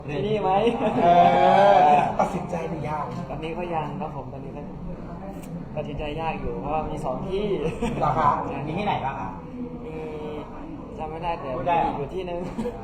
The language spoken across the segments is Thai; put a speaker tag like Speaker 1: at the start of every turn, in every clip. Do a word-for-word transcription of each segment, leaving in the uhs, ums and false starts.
Speaker 1: ที่นี่ไหม
Speaker 2: เออตัดสินใจหรือยัง
Speaker 1: ตอนนี้ก็ยังครับผมตอนนี้ก็ตัดสินใจยากอยู่เพราะว่ามีสองที่
Speaker 2: เหรอครับมีที่ไหนบ้างครับ
Speaker 1: มีจำไม่ได้แต่
Speaker 2: พูดได้
Speaker 1: มีอยู่ที่นึง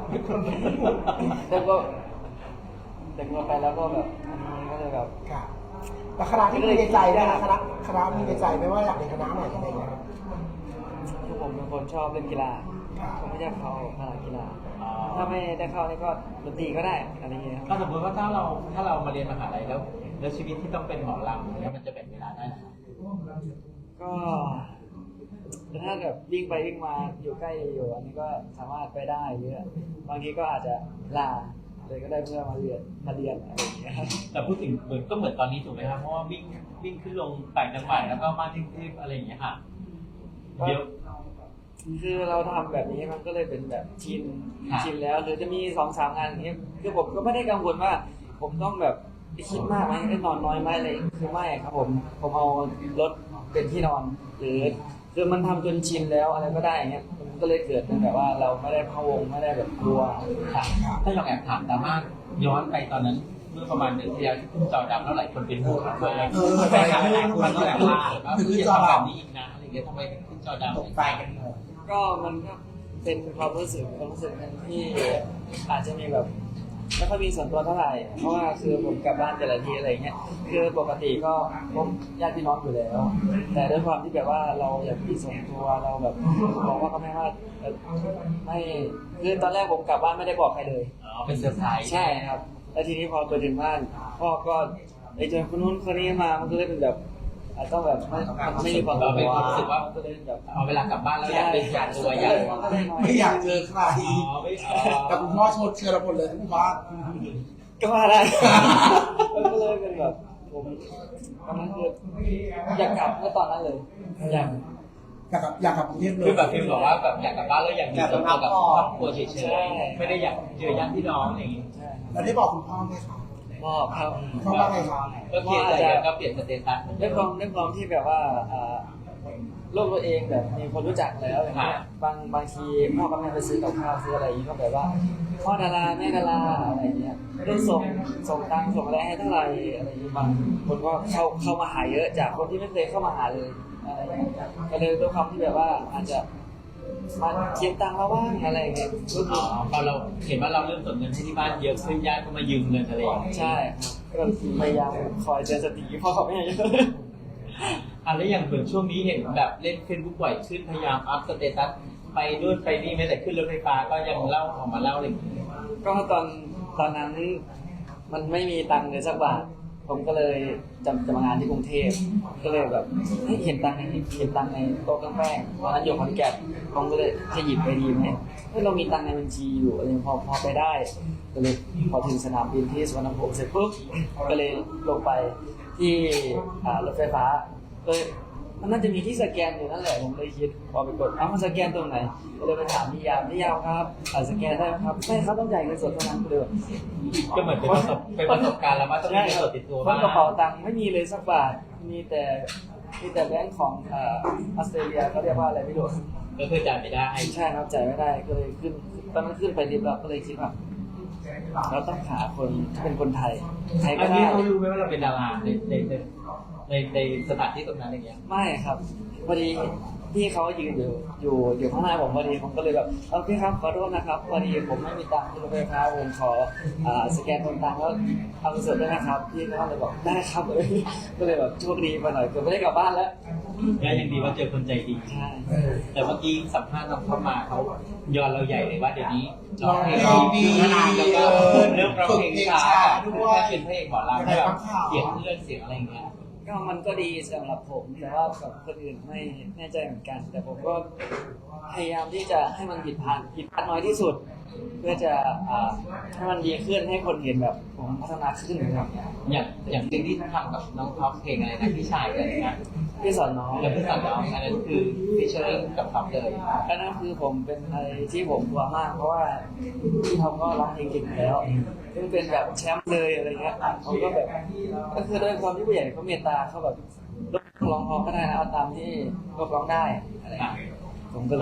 Speaker 1: แต่ก็แต่ก็ไปแล้วก็แบบอันนี้ก็เลยแบบ
Speaker 2: ค่ะแล้วคณะที่มีในใจนะคณะคณะมีในใจไหมว่าอยากเรียนคณะไหนอะไรอย่างเงี้ย
Speaker 1: คือผมเป็นคนชอบเล่นกีฬาผมไม่อยากเข้าคณะกีฬาถ้าไม่ได้เข้านี่ก็ดนตรีก็ได้อะไรอย่างเงี้ยค
Speaker 3: ก็
Speaker 1: รับ
Speaker 3: สมมติว่าถ้าเราถ้าเรามาเรียนมหาลัยแล้วแล้วชีวิตที่ต้องเป็นหมอลำอย่างเงี้ยมันจะแบ่งเวลาได้ไหม
Speaker 1: ก็แต่ถ้าแบบวิ่งไปวิ่งมาอยู่ใกล้อยู่อันนี้ก็สามารถไปได้เยอะบางทีก็อาจจะลาเลยก็ได้เพื่อมาเรียนมาเรียนอะไรอย่างเงี้ย
Speaker 3: แต่พูดถึงเหมือนก็เหมือนตอนนี้ถูกไหมครับเพราะว่าวิ่งวิ่งขึ้นลงต่างจังหวัดแล้วก็มาที่กรุงเทพอะไรอย่างเงี้ยค่ะเดี๋ยว
Speaker 1: คือเราทำแบบนี้มันก็เลยเป็นแบบชิน
Speaker 3: ครับ
Speaker 1: ชินแล้วหรือจะมีสองสามงานอย่างเงี้ยคือผมก็ไม่ได้กังวลว่า ผมต้องแบบคิดมากไหมได้นอนน้อยไหมอะไรคือไม่ครับผมผมเอารถเป็นที่นอน หรือคือมันทำจนชินแล้วอะไรก็ได้อย่างเงี้ยมันก็เลยเกิดเป็นแบบว่าเราไม่ได้พะวงไม่ได้แบบกลัว
Speaker 3: ค่ะถ้าลองแอบถามดราม่าย้อนไปตอนนั้นเมื่อประมาณเดือนที่แล้วที่ขึ้นจอดำแล้วหลายคนเป็นห่วงมาก
Speaker 2: เออ
Speaker 3: แฟนคลับหลายคนก็แบบว่าคือจะทำแบบนี้อีกนะอะไรอย่างเงี้ยทำไมถึงขึ้นจอดำ
Speaker 2: ตกใจกันหมด
Speaker 1: ก็มันก็เป็นความรู้สึกความรู้สึกหนึงที่อาจจะมีแบบไม่ค่อยมีส่วนตัวเท่าไหร่เพราะว่าคือผมกลับบ้านแต่ละทีอะไรเงี้ยคือปกติก็พบญาติพี่น้องอยู่แล้ว แต่ด้วยความที่แบบว่าเราอยากมีส่วนตัวเราแบบบอกว่าก็ไม่ว่าเอ่อไม่คือตอนแรกผมกลับบ้านไม่ได้บอกใครเลย
Speaker 3: อ๋อเป็นเซอร์ไพรส์
Speaker 1: ใช่ครับแล้วทีนี้พอไปถึงบ้านพ่อก็ไอ้เจอคนนู้นคนนี้มามันก็เลยเป็นแบบอาจต้องแบบไม่มันไม่มีความ
Speaker 3: เราเป็นความรู้สึกว่า
Speaker 1: ก็เลยแบบ
Speaker 3: เอาเวลากลับบ้านแล้วอยากเป็นการตัวอยาก
Speaker 2: ไม่อยากเจอใคร
Speaker 3: อ๋อไม่อ๋อ
Speaker 2: แต่คุณพ่อชดเชยเราหมดเลยทุกบ้าน
Speaker 1: ก็มาได้ มันก็เลยเป็นแบบผมตอนนั้นคืออยากกลับเมื่อตอนนั้นเลยอยาก
Speaker 2: อยากกลับอยากกลับกรุงเทพเลย
Speaker 3: คือแบบฟิลบอกว่าแบบอยากกลับบ้านแล้วอยากมีส่วนตัวกับครอบครัวเฉยๆไม่ได้อยากเจอญาติพี่น้องอะไรอย่างงี้
Speaker 1: ใช่
Speaker 2: แล้วได้บอกคุณพ่อไหมคะ
Speaker 1: บอกครับ
Speaker 2: พ่อว่าไงครับ
Speaker 3: ก็เปลี่ยนใจกันก็เปลี่ยนสเตตัส
Speaker 1: ด้วยความด้วยความที่แบบว่าอ่าโลกตัวเองแบบมีคนรู้จักแล้วอย่างเงี้ยบางบางทีพ่อกับแม่ไปซื้อกับข้าวซื้ออะไรอย่างงี้ก็แบบว่าพ่อดาราแม่ดาราอะไรอย่างเงี้ยได้ส่งส่งตังค์ส่งอะไรให้เท่าไหร่อะไรอย่างเงี้ยบางคนก็เข้าเข้ามาหาเยอะจากคนที่ไม่เคยเข้ามาหาเลยอะไรอย่างเงี้ยก็เลยด้วยความที่แบบว่าอาจจะมาเก็บตังค์มาบ้างอะไรอย่างเงี้ยก็
Speaker 3: อ๋
Speaker 1: คือ อ
Speaker 3: พอเราเห็นว่าเราเริ่มส่งเงินให้ที่บ้านเยอะขึ้นญาติก็มายืมเงินอะไรอย่างเงี้ย
Speaker 1: ใช่ครับก็พยายามคอยเตือนสติพ่อกับแม่เยอะ
Speaker 3: อ่ะแล้วอย่างเหมือนช่วงนี้เห็นแบบเล่นเฟซบุ๊กบ่อยขึ้นพยายามอัพสเตตัสไปนู่นไปนี่แม้แต่ขึ้นรถไฟฟ้าก็ยังเล่าออกมาเล่าอะไรอย่างเงี้ย
Speaker 1: ก็ตอนตอนนั้นมันไม่มีตังค์เลยสักบาทผมก็เลยจะจะมางานที่กรุงเทพก็เลยแบบเฮ้ยเห็นตังค์ในเห็นตังค์ในโต๊ะเครื่องแป้งตอนนั้นอยู่ขอนแก่นผมก็เลยจะหยิบไปดีไหมเฮ้ยเรามีตังค์ในบัญชีอยู่อะไรพอพอไปได้ก็เลยพอถึงสนามบินที่สุวรรณภูมิเสร็จปุ๊บก็เลยลงไปที่อ่ารถไฟฟ้าเลยมันน่าจะมีที่สแกนอยู่นั่นแหละผมเลยคิดพอไปกดเอ้ามันสแกนตรงไหนก็เลยไปถามพี่ยามพี่ยามครับอ่าสแกนได้ไหมครับไม่ครับต้องจ่ายเงินสดเท่านั้นก็เลยแบบ
Speaker 3: ก็เหมือนเป็นประสบเป็นประสบการณ์แล้วว่าต้องมีเงินสดติดตัว
Speaker 1: เพ
Speaker 3: บ้า
Speaker 1: ราะ
Speaker 3: ง
Speaker 1: กระเป๋าตังค์ไม่มีเลยสักบาท มีแต่มีแต่แบงค์ของเอ่อออสเตรเลียเขาเรียกว่าอะไรไม่รู้
Speaker 3: ก็คือจ่ายไม่ได้
Speaker 1: ใช่ครับจ่ายไม่ได้ก็เลยขึ้นตอนนั้นขึ้นไปลิฟต์แล้วก็เลยคิดว่าเราต้องหาคนที่เป็นคนไทยไทย
Speaker 3: อั
Speaker 1: ก็
Speaker 3: น
Speaker 1: ได้
Speaker 3: นี้เขารู้ไหมว่าเราเป็นดาราในในในในในสถานที่ตรงนั้นอย่างเงี้ย
Speaker 1: ไม่ครับพอดีพี่เขายืนอยู่อยู่อยู่ข้างหน้าผมพอดีผมก็เลยแบบเออพี่ครับขอโทษนะครับพอดีผมไม่มีตังค์ที่รถไฟฟ้าผมขออ่าสแกนคนตังค์แล้วเอาเงินสดได้ไหมครับพี่เขาเลยบอกได้ครับเลยก็เลยแบบโชคดีไปหน่อยเกือบไม่ได้กลับบ้านแล้ว
Speaker 3: ก็ยังดีว่าเจอคนใจดี
Speaker 1: ใช่
Speaker 3: แต่เมื่อกี้สัมภาษณ์น้องเข้ามาเขาย้อนเราใหญ่เลยว่าเดี๋ยวนี้
Speaker 2: ร้องเพลงดี
Speaker 3: นานแล้วก็เริ่มร้องเพลงช้า
Speaker 2: ฝึกเพลงช้าด้
Speaker 3: ด้
Speaker 2: ว
Speaker 3: วย ยเป็นพระเอกหมอลำแบบเสียงเลื่อนเสียงอะไรอย่างเงี้ย
Speaker 1: ก็มันก็ดีสำหรับผมแต่ว่ากับคนอื่นไม่แน่ใจเหมือนกัน แต่ผมก็พยายามที่จะให้มันผิดพลาดผิดพลาดน้อยที่สุด เพื่อจะอ่าให้มันดีขึ้นให้คนเห็นแบบผมพัฒนาขึ้นครับ
Speaker 3: อย่างอย่างเพลงที่ทำกับน้องท็อปเพลงอะไรนะพี่ชายอะไรนะ
Speaker 1: พี่สอนน้อง
Speaker 3: แล้วพี่สอนน้องอันนั้นคือพี่เชอร์กับท็อปเลย
Speaker 1: อันนั้นคือผมเป็นอะไรที่ผมกลัวมาก เพราะว่าพี่เขาก็ร้องเพลงเก่งอยู่แล้วซึ่งเป็นแบบแชมป์เลยอะไรเงี้ยเขาก็แบบก็คือด้วยความที่ผู้ใหญ่เขาเมตตาเขาแบบร้องร้องก็ได้นะเอาตามที่ร้องได้อะไรเงี้ยผมก็เลย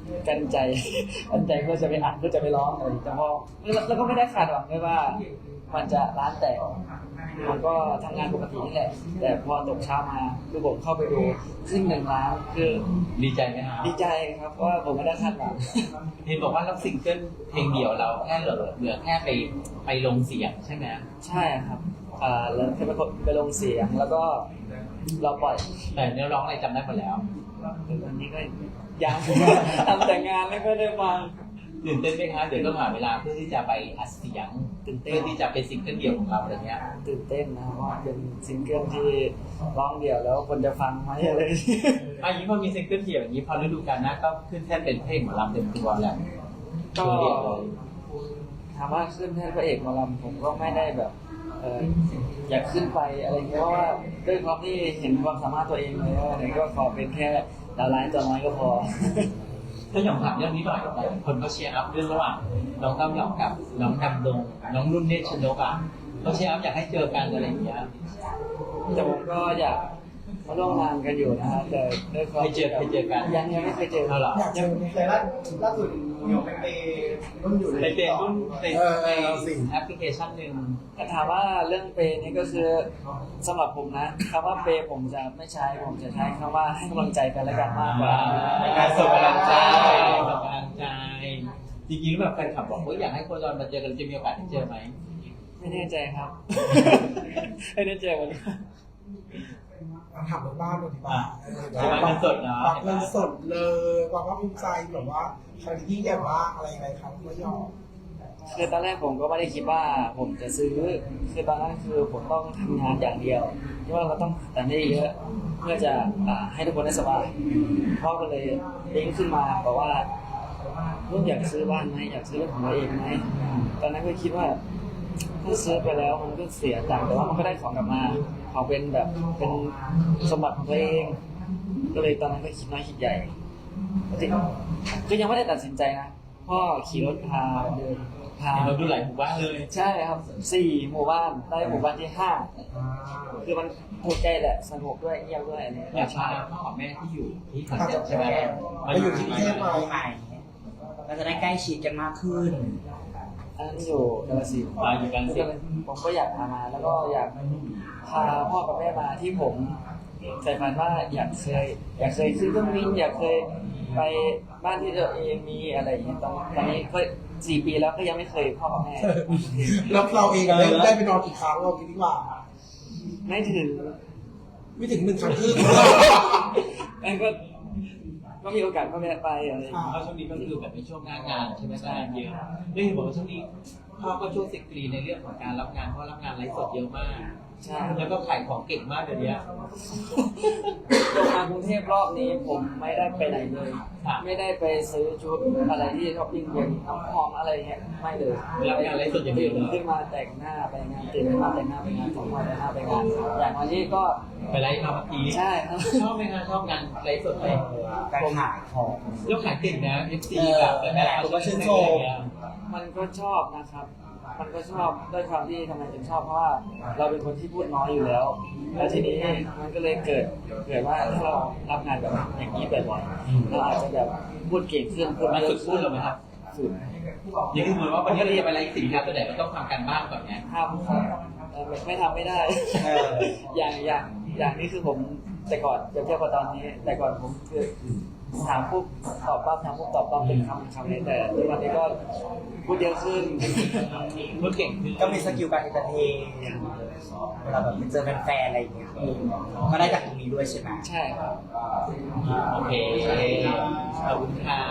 Speaker 1: กันใจ กันใจเพื่อจะไปอัดเพื่อจะไปร้องอะไรแต่พอแล้วแล้วก็ไม่ได้คาดหวังด้วยว่า มันจะร้านแตกผมก็ทำงานปกตินี่แหละ แต่พอตกเช้ามาคือผมเข้าไปดูขึ้นหนึ่งล้านคือ
Speaker 3: ดีใจไหมครับ
Speaker 1: ดีใจครับเพราะว่าผมไม่ได้คาดหวัง
Speaker 3: เห็นบอกว่ารับซิงเกิลเพลงเดียวเราแค่เหลือเหลือแค่ไปไปลงเสียงใช่ไหม
Speaker 1: ใช่ครับอ่าแล้วไปกดไปลงเสียงแล้วก็เราปล่อย
Speaker 3: แต่เนื้อร้องอะไรจำได้หมดแล้ว
Speaker 1: วันนี้ก็ยัง ทำแต่งานไม่ค่อยได้ฟัง
Speaker 3: ตื่นเต้นไหมคะเดี๋ยวต้องหาเวลาเพื่อที่จะไปอัดเสียง
Speaker 1: ตื่นเต้น
Speaker 3: เพื่อที่จะเป็นซิงเกิลเดี่ยวของเราอะไรเงี้ย
Speaker 1: ตื่นเต้นนะเพราะว่าเป็นซิงเกิลที่ร้องเดี่ยวแล้วคนจะฟังไหมอะไร
Speaker 3: อันนี้พอมีซิงเกิลเดี่ยวอย่างนี้พอฤดูกาลหน้าก็ขึ้นแท่นเป็นเพลงหมอลำเต็มตัวแหละ
Speaker 1: ก็
Speaker 3: ตัวเดียวเลย
Speaker 1: ถามว่าขึ้นแท่นพระเอกหมอลำผมก็ไม่ได้แบบเอออยากขึ้นไปอะไรเงี้ยเพราะว่าด้วยความที่เห็นความสามารถตัวเองเลยว่าเนี่ยก็ขอเป็นแค่ดาวร้ายตัวน้อยก็พอ
Speaker 3: ถ้าหยองถามเรื่องนี้หน่อยคนก็เชียร์อัพเรื่องระหว่างน้องเต้าหยองกับน้องดำดงน้องนุ่นเนตรชนกอ่ะก็เชียร์อัพอยากให้เจอกันอะไรอย่างเงี้ย
Speaker 1: แต่ผมก็อยากมาร่วมงานกันอยู่นะฮะแต่ด้วยความ
Speaker 3: เคยเจอเคยเจอกัน
Speaker 1: ยังยังไม่เคยเจอ
Speaker 3: เอาเหรอ
Speaker 2: อยากเจอไหม
Speaker 4: แต่ล่าล่าสุดเดี๋ยวไปเปรุ่นอยู่
Speaker 3: ในเฟซรุ่นใน
Speaker 2: เออ
Speaker 3: ใน
Speaker 2: เอาสิ
Speaker 3: แอปพลิเคชันหนึ่ง
Speaker 1: ถ้าถามว่าเรื่องเปย์นี่ก็คือสำหรับผมนะคำว่าเปย์ผมจะไม่ใช้ผมจะใช้คำว่าให้กำลังใจกันและกันมากกว่า
Speaker 3: การส่งกำลังใจส่งกำลังใจจริงๆแบบแฟนคลับบอกว่าอยากให้โคจรมาเจอกันจะมีโอกาสได้เจอไหม
Speaker 1: ไม่แน่ใจครับ ไม่แน่ใจเหมือนกัน
Speaker 2: ถามเรื่องบ้านหน่อยดีกว่า
Speaker 3: ใช่ไหมเงินสดเนาะ
Speaker 2: ปักเงินสดเลยความภาคภูมิใจแบบว่าครั้งที่ยิ่งใหญ่มากอะไรอะไรครับไม่ยอม
Speaker 1: คือตอนแรกผมก็ไม่ได้คิดว่าผมจะซื้อ คือตอนนั้นคือผมต้องทำงานอย่างเดียวที่ว่าเราต้องแต่ไม่ได้เยอะเพื่อจะอ่าให้ทุกคนได้สบายพ่อก็เลยเด้งขึ้นมาบอกว่าลูกอยากซื้อบ้านไหมอยากซื้อรถของตัวเองไหมตอนนั้นก็คิดว่าถ้าซื้อไปแล้วมันก็เสียตังค์แต่ว่ามันก็ได้ของกลับมาของเป็นแบบเป็นสมบัติของตัวเอง ก็เลยตอนนั้นก็คิดน้อยคิดใหญ่ก็ยังไม่ได้ตัดสินใจนะพ่อขี่รถพาเดินพา
Speaker 3: เราดูหลายหมู่บ้านเลย
Speaker 1: ใช่ครับสี่หมู่บ้านได้หมู่บ้านที่ห้าคือมันถูกใจแหละสนุกด้วยเงียบด้วยอันนี้
Speaker 3: อยากพาพ่อกับแม่ที่อยู่ที่ขอนแก่นใช่ไหม
Speaker 2: มาอยู่ที่กรุงเทพไหม
Speaker 4: ใหม่เราจะได้ใกล้ชิดกันมากขึ้น
Speaker 1: อันนั้นอยู่กาฬสินธุ์
Speaker 3: มาอยู่กันสิ
Speaker 1: ผมก็อยากพามาแล้วก็อยากพาพ่อกับแม่มาที่ผมใฝ่ฝันว่าอยากเคย อยากเคยซื้อเครื่องบินอยากเคยไปบ้านที่ตัวเองมีอะไรอย่างเงี้ยตอนตอนนี้ก็สี่ปีแล้วก็ยังไม่เคยพ่อกับแม่
Speaker 2: แล้วเราเองได้ได้ไปนอนกี่ครั้งเราคิดดีกว่า
Speaker 1: ไม่ถึง
Speaker 2: ไม่ถึงหนึ่งครั้งครึ่ง
Speaker 1: มันก็ก็มีโอกาสก็แวะไปอะไรอย่างเงี้ย
Speaker 3: เพราะช่วงนี้ก็คือแบบเป็นช่วงหน้างานใช่ไหมงานเยอะได้เห็นบอกว่าช่วงนี้พ่อก็ช่วยสิกรีในเรื่องของการรับงานเพราะรับงานไลฟ์สดเยอะมาก
Speaker 1: ใช่
Speaker 3: แล้วก็ขายของเก่งมากเดี๋ยวนี้
Speaker 1: ลงมากรุงเทพรอบนี้ผมไม่ได้ไปไหนเลย ไม่ได้ไปซื้อชุดอะไรที่ช้อปปิ้งเย็นน้ำหอมอะไรเงี้ยไม่เลย
Speaker 3: รับงานไลฟ์สดอย่างเดี
Speaker 1: ตื่
Speaker 3: ยวน เลย
Speaker 1: ขึ้นมาแต่งหน้าไปงานตื่นขึ้นมาแต่งหน้าไปงานตื่นมาแต่งหน้าไปงานอย่างวันนี้ก็
Speaker 3: ไปไลฟ์มาเมื่อกี้
Speaker 1: ใช่ครับ
Speaker 3: ชอบไหมคะชอบงานไลฟ์สดไหม
Speaker 4: การขายของ
Speaker 3: ยกขายเก่งนะ เอฟ ซี แบบแล้วแบบ
Speaker 4: ผมก็ชื่นชม
Speaker 1: มันก็ชอบนะครับ มันก็ชอบด้วยความที่ทำไมถึงชอบเพราะว่าเราเป็นคนที่พูดน้อยอยู่แล้ว แล้วทีนี้มันก็เลยเกิดเกิดว่าถ้าเรารับงานแบบอย่างนี้บ่อยๆเราอาจจะแบบพูดเก่งขึ้นพูด
Speaker 3: มัน
Speaker 1: เย
Speaker 3: ฝึ
Speaker 1: อะ
Speaker 3: กพู
Speaker 1: ขึ้
Speaker 3: ด
Speaker 1: น
Speaker 3: หรือไหมครับ
Speaker 1: ฝึก
Speaker 3: อย่างที่เหมือนว่าวันนี้เราจะไปไลฟ์สินค้าตัวไหนมันต้องทำการบ้านก่อนไง
Speaker 1: ทำครับเอ่อไม่ทำไม่ได้
Speaker 4: เออ
Speaker 1: อย่างอย่างอย่างนี้คือผมแต่ก่อนเปรียบเทียบกับตอนนี้ แต่ก่อนผมคือถามปุ๊บตอบปั๊บถามปุ๊บตอบปั๊บเป็นคำคำเลยแต่ทุกวันนี้ก็พูดเยอะขึ้น
Speaker 3: พูดเก่งขึ้น
Speaker 4: ก็มีสกิลการเอนเตอร์เทนเวลาแบบไปเจอแฟนๆอะไรอย่างเงี้ยก็ได้จากตรงนี้ด้วยใช่ไหม
Speaker 1: ใช่ครับ
Speaker 3: โอเคขอบคุณค่ะ